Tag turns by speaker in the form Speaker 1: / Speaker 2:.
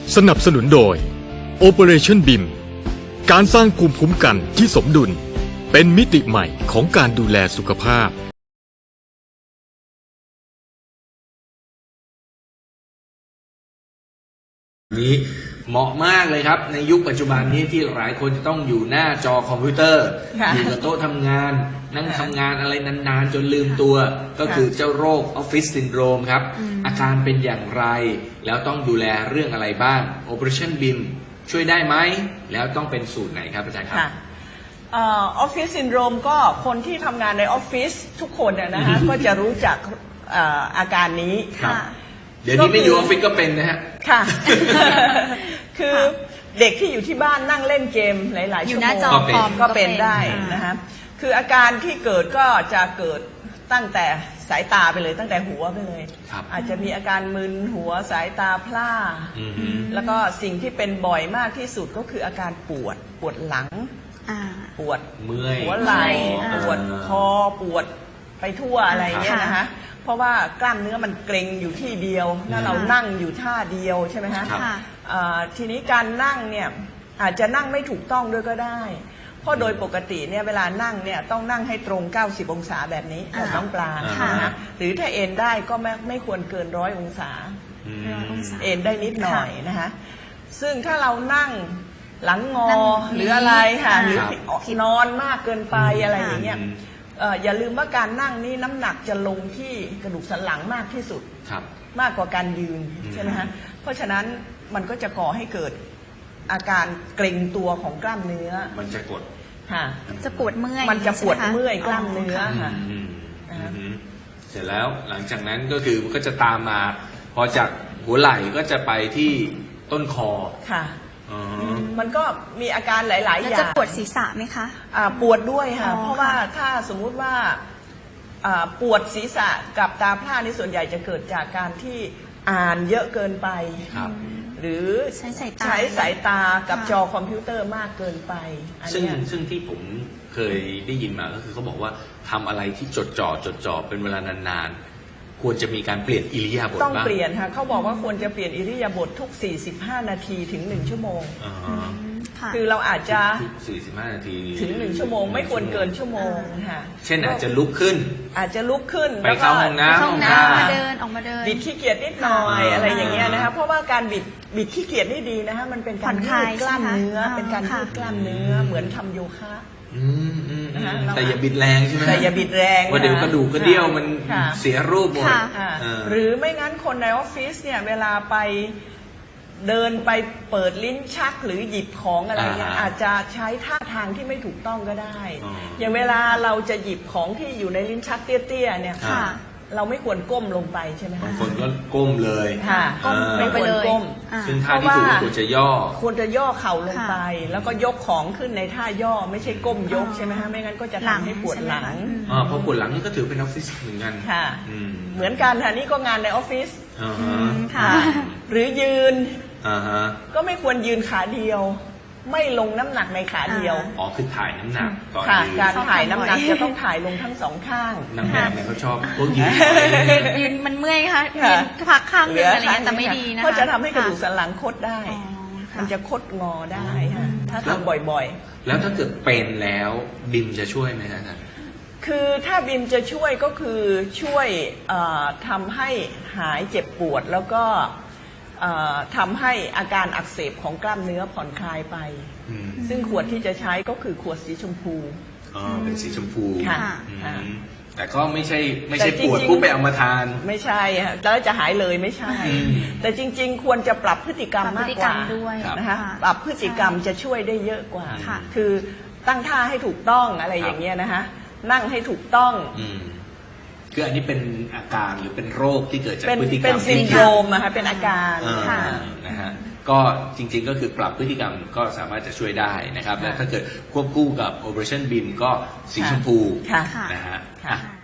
Speaker 1: สนับสนุนโดย Operation BIM การสร้างภูมิคุ้มกันที่สมดุลเป็นมิติใหม่ของการดูแลสุขภาพ
Speaker 2: นี้เหมาะมากเลยครับในยุคปัจจุบันนี้ที่หลายคนจะต้องอยู่หน้าจอคอมพิวเตอร์อยู่กับโต๊ะทำงานนั่งทำงานอะไรนานๆจนลืมตัวก็คือเจ้าโรคออฟฟิศซินโดรมครับอาการเป็นอย่างไรแล้วต้องดูแลเรื่องอะไรบ้าง Operation BIM ช่วยได้ไหมแล้วต้องเป็นสูตรไหนครับอาจารย์ครับ
Speaker 3: ออฟฟิศซินโดรมก็คนที่ทำงานในออฟฟิศทุกคนนะคะก็จะรู้จักอาการนี้
Speaker 2: เดี๋ยวนี้ไม่อยู่ออฟฟิศก็เป็นนะฮะ
Speaker 3: ค่ะคือเด็กที่อยู่ที่บ้านนั่งเล่นเกมหลายๆชั่วโมงก็เป็นได้นะคะคืออาการที่เกิดก็จะเกิดตั้งแต่สายตาไปเลยตั้งแต่หัวไปเลยอาจจะมีอาการมึนหัวสายตาพร่าแล้วก็สิ่งที่เป็นบ่อยมากที่สุดก็คืออาการปวดหลังปวดหัวไหล่ปวดคอปวดไปทั่วอะไรเงี้ยนะคะเพราะว่ากล้ามเนื้อมันเกร็งอยู่ที่เดียวแล้วเรานั่งอยู่ท่าเดียวใช่ไหมคะทีนี้การนั่งเนี่ยอาจจะนั่งไม่ถูกต้องด้วยก็ได้เพราะโดยปกติเนี่ยเวลานั่งเนี่ยต้องนั่งให้ตรง90องศาแบบนี้แบบน้องปลานะหรือถ้าเอนได้ก็ไม่ควรเกิน100องศาเอนได้นิดหน่อยนะคะซึ่งถ้าเรานั่งหลังงอหรืออะไรค่ะหรือนอนมากเกินไปอะไรอย่างเงี้ยอย่าลืมว่าการนั่งนี่น้ำหนักจะลงที่กระดูกสันหลังมากที่สุดมากกว่าการยืนใช่ไหมฮะเพราะฉะนั้นมันก็จะก่อให้เกิดอาการเกร็งตัวของกล้ามเนื้อ
Speaker 2: มันจะกด
Speaker 3: ค่ะ
Speaker 4: จะปวดเมื่อย
Speaker 3: มันจะปวดเมื่อยกล้ามเนื้อค่ะ
Speaker 2: เสร็จแล้วหลังจากนั้นก็คือมันก็จะตามมาพอจากหัวไหล่ก็จะไปที่ต้นคอ
Speaker 3: ค่ะมันก็มีอาการหลายๆอย่าง
Speaker 4: จะปวดศีรษะไหมคะ
Speaker 3: ปวดด้วยค่ะเพราะว่าถ้าสมมุติว่าปวดศีรษะกับตาพร่านี่ส่วนใหญ่จะเกิดจากการที่อ่านเยอะเกินไปหรือใช้สายตากับจอคอมพิวเตอร์มากเกินไป
Speaker 2: ซึ่งที่ผมเคยได้ยินมาก็คือเขาบอกว่าทำอะไรที่จดจ่อเป็นเวลานานๆควรจะมีการเปลี่ยนอิริยาบถ
Speaker 3: ต้องเปลี่ยนค่ะเขาบอกว่าควรจะเปลี่ยนอิริยาบถทุก45นาทีถึง1ชั่วโมงคือเราอาจจะ
Speaker 2: 45นาที
Speaker 3: ถึง1ชั่วโมงไม่ควรเกินชั่วโมงค่ะ
Speaker 2: เช่นอาจจะลุกขึ้นไปเข้าห้องน้ำ
Speaker 4: มาเดินออกมาเดิน
Speaker 3: บิดขี้เกียจนิดหน่อยอะไรอย่างเงี้ยนะคะเพราะว่าการบิดขี้เกียจนี่ดีนะคะมันเป็นการยืดกล้ามเนื้อเป็นการยืดกล้ามเนื้อเหมือนทำโยคะ
Speaker 2: แต่อย่าบิดแรงใช่ไหม
Speaker 3: แต่อย่าบิดแรง
Speaker 2: ว่าเดี๋ยวกระดูกกระเดี่ยวมันเสียรูปหมด
Speaker 3: หรือไม่งั้นคนในออฟฟิศเนี่ยเวลาไปเดินไปเปิดลิ้นชักหรือหยิบของอะไรเนี่ยอาจจะใช้ท่าทางที่ไม่ถูกต้องก็ได้อย่างเวลาเราจะหยิบของที่อยู่ในลิ้นชักเตี้ยๆเนี่ยเราไม่ควรก้มลงไปใช่ไหมคะ
Speaker 2: บางคนก็ก้มเลย
Speaker 3: ค่ะไม่ควรก้ม
Speaker 2: ซึ่งท่าที่ถูกควรจะย่
Speaker 3: อเข่าลงไปแล้วก็ยกของขึ้นในท่าย่อไม่ใช่ก้มยกใช่ไหมคะไม่งั้นก็จะทำให้ปวดหลัง
Speaker 2: เพราะปวดหลังนี่ก็ถือเป็นออฟฟิศเหมือนกัน
Speaker 3: ค่ะเหมือนกันค่ะนี่ก็งานในออฟฟิศค่ะหรือยืนก็ไม่ควรยืนขาเดียวไม่ลงน้ำหนักในขาเดียว
Speaker 2: คือถ่ายน้ำหนัก
Speaker 3: ตอนยืนการถ่ายน้ำหนักจะต้องถ่ายลงทั้งสองข้าง
Speaker 2: นางแบบเนี่ยเขาชอบพวก
Speaker 4: ยืนมันเมื่อยค่ะยืนพักข้างนึงอะไรเงี้ยแต่ไม่ดีนะ
Speaker 3: เพราะจะทำให้กระดูกสันหลังคดได้มันจะคดงอได้ถ้าทำบ่อย
Speaker 2: ๆแล้วถ้าเกิดเป็นแล้วบิมจะช่วยไหมอาจารย์
Speaker 3: คือถ้าบิมจะช่วยก็คือช่วยทำให้หายเจ็บปวดแล้วก็ทำให้อาการอักเสบของกล้ามเนื้อผ่อนคลายไปซึ่งขวดที่จะใช้ก็คือขวดสีชมพู
Speaker 2: เป็นสีชมพู
Speaker 3: ค่ะ
Speaker 2: แต่ก็ไม่ใช่ปวดปุ๊บไปเอามาทาน
Speaker 3: ไม่ใช่แล้วจะหายเลยไม่ใช่แต่จริงๆควรจะปรับพฤติกรรมมากกว่านะคะปรับพฤติกรรมจะช่วยได้เยอะกว่าคือตั้งท่าให้ถูกต้องอะไรอย่างเงี้ยนะคะนั่งให้ถูกต้อง
Speaker 2: คืออันนี้เป็นอาการหรือเป็นโรคที่เกิดจากพฤติกรรม
Speaker 3: เป็นซินโดรมนะคะเป็นอาการ
Speaker 2: นะฮะก็จริงๆก็คือปรับพฤติกรรมก็สามารถจะช่วยได้นะครับและถ้าเกิดควบคู่กับ Operation BIM ก็สีชมพูนะฮะ